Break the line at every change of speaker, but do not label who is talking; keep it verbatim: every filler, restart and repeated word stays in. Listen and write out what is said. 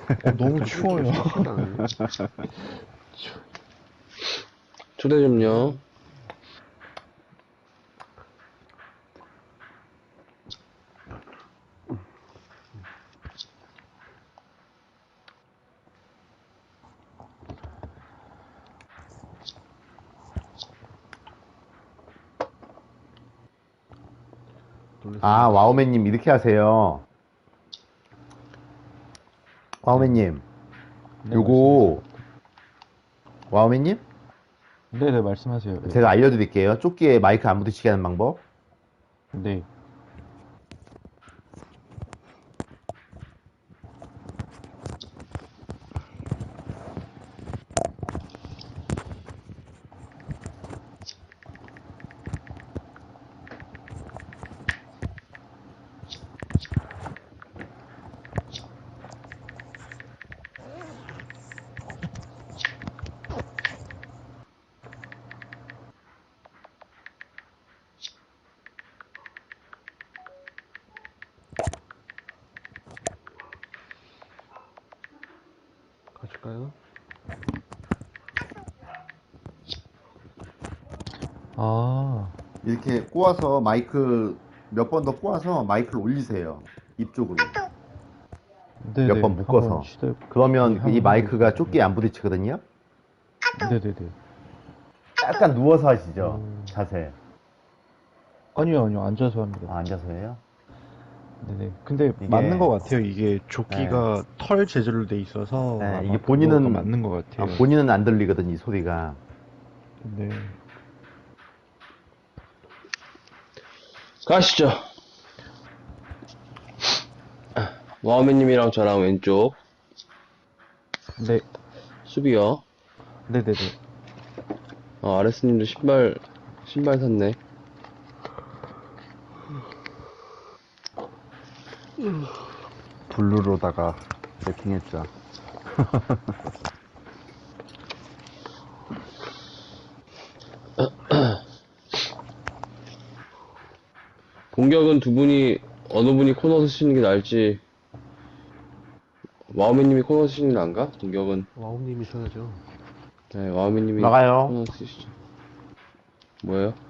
어, 너무 추워요.
초대 좀요.
아, 와우맨님 이렇게 하세요. 와우맨님,
네,
요거 와우맨님?
말씀하세요. 네네, 말씀하세요. 네.
제가 알려드릴게요. 조끼에 마이크 안 부딪히게 하는 방법.
네.
가실까요?
아,
이렇게 꼬아서 마이크 몇 번 더 꼬아서 마이크를 올리세요. 입 쪽으로.
네네.
몇 번 묶어서.
한번 시도해.
그러면
네,
그이
한번
마이크가
해보겠습니다.
조끼에 안 부딪히거든요.
네네네.
약간 누워서 하시죠.
음.
자세.
아니요, 아니요. 앉아서 합니다.
아, 앉아서 해요?
네네. 근데
이게-
맞는 것 같아요. 이게 조끼가 털 재질로 돼 있어서
네,
아마
이게
그거가
본인은
맞는 것
아,
같아요.
본인은 안 들리거든, 이 소리가.
네.
가시죠. 와우맨님이랑 저랑 왼쪽
네.
수비요.
네네네.
아, 아레스님도 신발 신발 샀네.
블루로다가 세팅했죠.
공격은 두 분이 어느 분이 코너 쓰시는 게 나을지. 와우맨님이 코너 쓰시는 게 나은가? 공격은.
와우님이 써야죠.
네, 와우맨님이
나가요.
코너 쓰시죠. 뭐예요?